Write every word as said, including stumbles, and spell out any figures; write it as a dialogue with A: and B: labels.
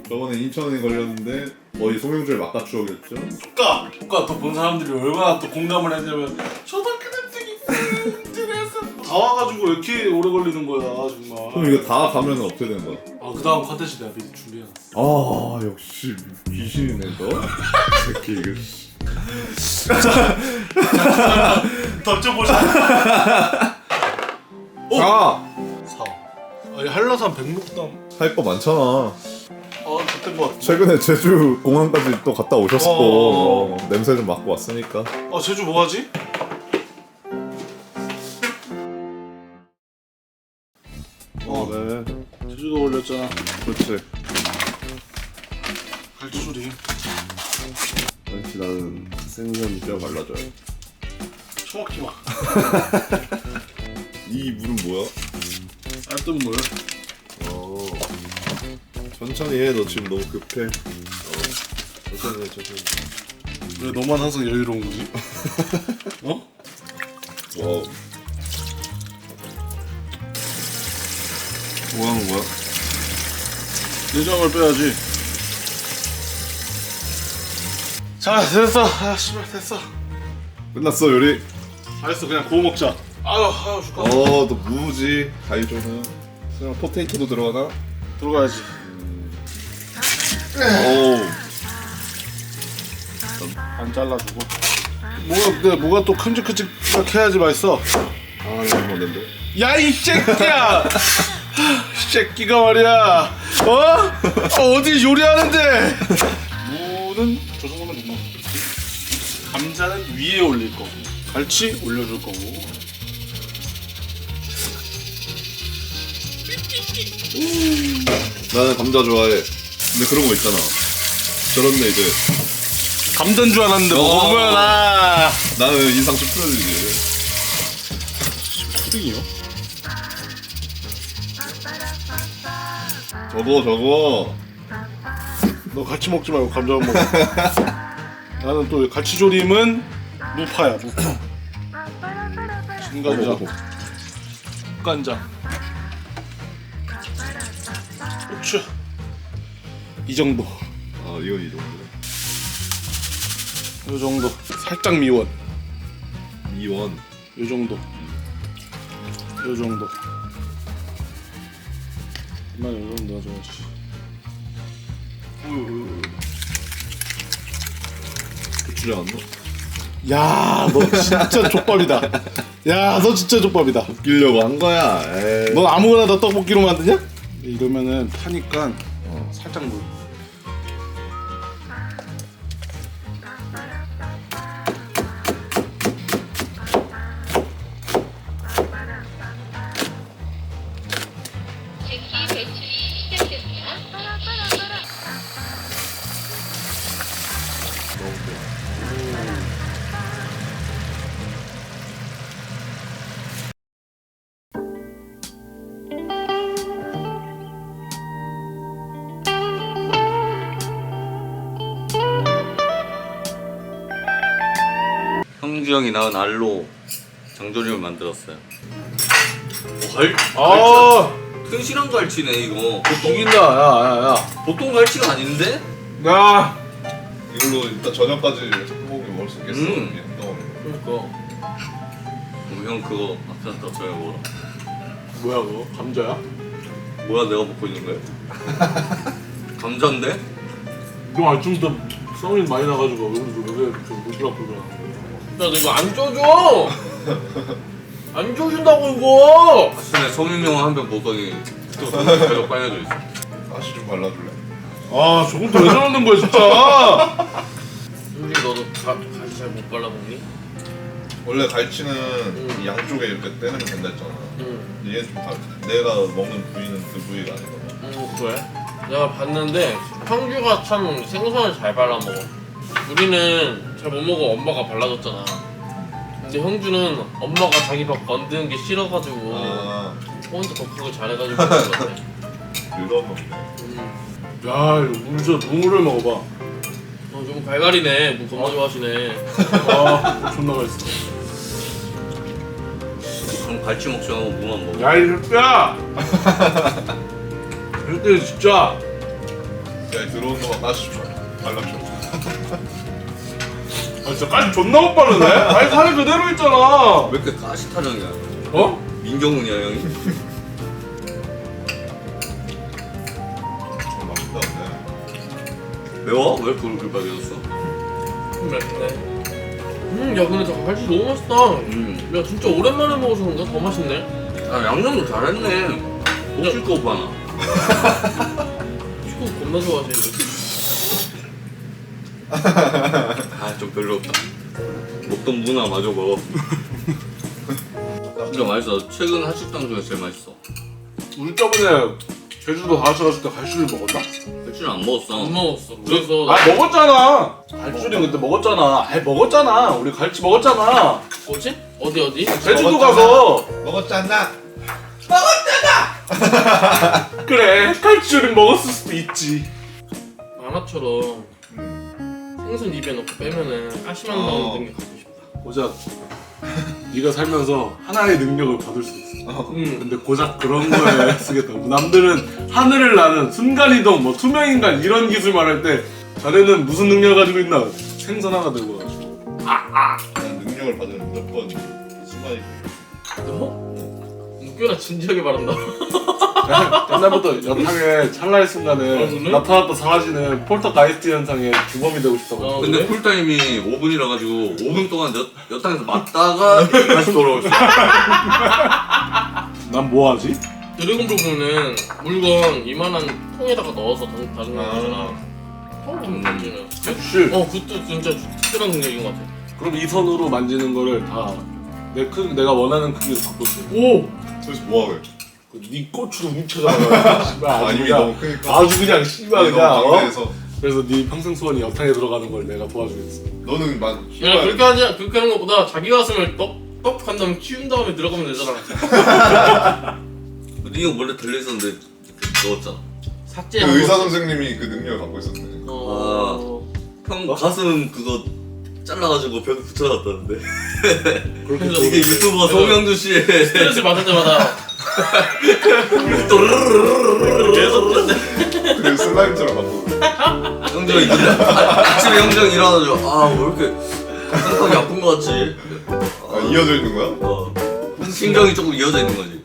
A: 저번에 이천 원이 걸렸는데 거의 송영주의 막가 추억이었죠.
B: 조카! 조카 또 본 사람들이 얼마나 또 공감을 했냐면 초등학교 학생이 다 와가지고 왜 이렇게 오래 걸리는 거야 정말.
A: 그럼 이거 다 가면 어떻게 되는 거야?
B: 아 그 다음 컨텐츠 내가 미리 준비해놨어.
A: 아 역시 귀신이네 너. 새끼 이거.
B: 던져보자.
A: 자!
B: 사. 아니 한라산 백록담.
A: 할 거 많잖아.
B: 아 그때 뭐.
A: 최근에 제주 공항까지 또 갔다 오셨고
B: 어.
A: 어, 냄새 좀 맡고 왔으니까.
B: 아 제주 뭐 하지?
A: 어, 네.
B: 제주도 올렸잖아.
A: 그렇지.
B: 갈치조림.
A: 왠지 나는 생선 뼈 발라줘요.
B: 처먹지 마.
A: 이 물은 뭐야?
B: 알뜰 물.
A: 어. 천천히 해. 너 지금 너무 급해. 어. 천천히 해. 천천히.
B: 왜 너만 항상 여유로운 거지? 어?
A: 와우. 뭐 하는 거야?
B: 내장을 빼야지. 자 됐어. 아 씨발 됐어.
A: 끝났어 요리.
B: 알았어 그냥 구워 먹자. 아유 아유 죽겠다.
A: 어, 또 무지. 가이조는. 그냥 포테이토도 들어가나?
B: 들어가야지.
A: 오.
B: 안 잘라주고. 뭐가 근데 뭐가 또 큼직큼직하게 해야지 맛있어.
A: 아, 이거 먹는데.
B: 야 이 새끼야. 이 새끼가 말이야. 어? 어 어디 요리하는데? 무는 저 정도면 된다. 감자는 위에 올릴 거고, 갈치 올려줄 거고.
A: 나는 감자 좋아해. 근데 그런 거 있잖아. 저런데 이제
B: 감자인 줄 알았는데
A: 어.
B: 먹으면 아.
A: 나는 인상 좀 풀어지지.
B: 푸딩이요?
A: 저거 저거.
B: 너 같이 먹지 말고 감자만 먹어. 나는 또 갈치조림은 무파야 무파. 진간장, 국간장, 고추 이 정도.
A: 아, 이건 이 정도.
B: 요 정도. 살짝 미원.
A: 미원.
B: 요 정도. 요 정도. 이만 요 정도 넣어줘야지.
A: 고추장 안 넣어?
B: 야, 너 진짜 족밥이다. 야, 너 진짜 족밥이다.
A: 웃기려고 한 거야. 에이.
B: 넌 아무거나 다 떡볶이로 만드냐? 이러면은 타니까
A: 어.
B: 살짝 물.
C: 즉시 배출이 시작됩니다.
D: 형주 형이 낳은 알로 장조림을 만들었어요. 오, 갈,
B: 아,
D: 튼실한 갈치네 이거.
B: 이긴다. 야, 야, 야.
D: 보통 갈치가 아닌데?
B: 야.
A: 이걸로 일단 저녁까지 소고기 먹을 수 있겠어.
D: 음.
A: 이게 떠오르네.
B: 그러니까.
D: 그럼 형 그거 앞에다 저녁 먹어라.
B: 뭐야 그거? 감자야?
D: 뭐야 내가 먹고 있는 거야? 감자인데?
B: 너 아침부터 썸이 많이 나가지고 왜 그러지? 왜 물불 불불 하는 거야?
E: 야, 너 이거 안 줘줘! 안 줘준다고, 이거!
D: 아침에 소민영 한 병 보더니 또 계속 빨개져 있어.
A: 다시 좀 발라줄래?
B: 아, 저건 또 왜 저러는 거야, 진짜!
E: 솔직히 너도 가, 가시 잘 못 발라먹니?
A: 원래 갈치는
E: 음.
A: 이 양쪽에 이렇게 떼내면 된다 했잖아.
E: 응.
A: 근데 얘는 좀 다르. 내가 먹는 부위는 그 부위가 아니거든.
E: 응, 그래? 내가 봤는데, 형규가 참 생선을 잘 발라먹어. 우리는 잘 못 먹어, 엄마가 발라줬잖아. 근데 형주는 엄마가 자기 밥 건드는 게 싫어가지고,
A: 아,
E: 혼자 더 크고 잘해가지고 그런 것 같아.
A: 그런 건데.
E: 음.
B: 야, 이거 물 진짜 눈물을 먹어봐.
E: 어, 좀 갈갈이네. 무 겁나 좋아하시네.
B: 아, 존나 맛있어.
D: 그럼 갈치 먹지 말고 무만 먹어.
B: 야, 이 새끼야! 이 새끼 진짜!
A: 야 들어온 놈아 까주십시오. 발라줘.
B: 아 진짜 까지 존나 못 바르네? 아니 살이 그대로 있잖아.
D: 왜 이렇게 가시 타령이야?
B: 어?
D: 민경훈이야 형이?
A: 어, 맛있다 근데.
D: 매워? 왜 그걸 그렇게 빨개졌어?
E: 음, 맛있네. 음, 야 근데 저 갈치 너무 맛있다.
D: 음.
E: 야 진짜 오랜만에 먹어서 그런가 더 맛있네.
D: 아 양념도 잘했네. 목줄 거 오빠나.
E: 축구 겁나 좋아하시는데.
D: 아 좀 별로 없다. 먹던 문화 마저 먹어. 진짜 맛있어. 최근 한식당 중에 제일 맛있어.
B: 우리 저번에 제주도 다 같이 갔을 때 갈치를 먹었나?
D: 맥주는 안 먹었어.
E: 안 먹었어. 그래서
B: 아 먹었잖아. 갈치는 그때 먹었잖아. 아 먹었잖아. 우리 갈치 먹었잖아.
E: 뭐지? 어디 어디?
B: 제주도
A: 먹었잖아.
B: 가서
A: 먹었잖아.
B: 그래 갈치를 먹었을 수도 있지.
E: 만화처럼 생선 입에 넣고 빼면은 가시만
A: 어.
E: 나오는 게 갖고 싶다.
B: 고작 네가 살면서 하나의 능력을 받을 수 있어.
E: 음.
B: 근데 고작 그런 거에 쓰겠다고. 남들은 하늘을 나는 순간이동, 뭐 투명인간 이런 기술 말할 때 자네는 무슨 능력을 가지고 있나? 생선 하나 들고 와가지고.
A: 난 능력을 받으면 무조건 순간이.
E: 너? 꽤나 진지하게 말한다.
B: 옛날부터 여탕의 찰나의 순간에
E: 아, 그래?
B: 나타났다 사라지는 폴터가이스트 현상의 주범이 되고 싶다고.
E: 어.
D: 근데
E: 그래?
D: 쿨타임이 오 분이라 가지고 오 분 동안 여, 여탕에서 맞다가 다시 돌아올 수 있어.
B: 난 뭐하지?
E: 드래곤볼 보면은 물건 이만한 통에다가 넣어서 던- 다루는 거잖아.
A: 아.
E: 처음 보는 건지는.
B: 씨.
E: 어, 그것도 진짜 특별한 능력인 것 같아.
B: 그럼 이 손으로 만지는 거를 다 내 크, 내가 원하는 크기로 바꿀 수 있어.
E: 오!
A: 도대체 뭐하게?
B: 네 고추로 훔쳐잖아. 씨발
A: 아
B: 아주
A: 이미
B: 그냥
A: 너무 크니까.
B: 아주 그냥 씨발
A: 이미
B: 그냥
A: 너무
B: 어?
A: 강대해서.
B: 그래서 네 평생 소원이 여탕에 들어가는 걸 내가 도와주겠어.
A: 너는 막.
E: 야, 그렇게 하지, 그렇게 하는 것보다 자기 가슴을 떡, 떡 한 다음에 키운 다음에 들어가면 되잖아.
D: 니가 원래 달려있었는데 넣었잖아.
E: 삭제.
A: 그 의사 선생님이 그 능력을 갖고 있었네.
E: 어.
D: 형 가슴 그거 잘라가지고 벽에 붙여놨다는데.
B: 그렇게
E: 그래서
D: 이게
B: 좋은데.
D: 유튜버 송영주 씨의
E: 스트레스 받을 때마다
D: 계속
A: 그래 슬라임처럼 바꾸고.
D: 형정이 일어- 아, 아침에 형정이 일어나가지고 아 왜 이렇게 가슴이 아픈 거 같지?
A: 아 이어져 있는 거야?
D: 어. 신경이 조금 이어져 있는 거지.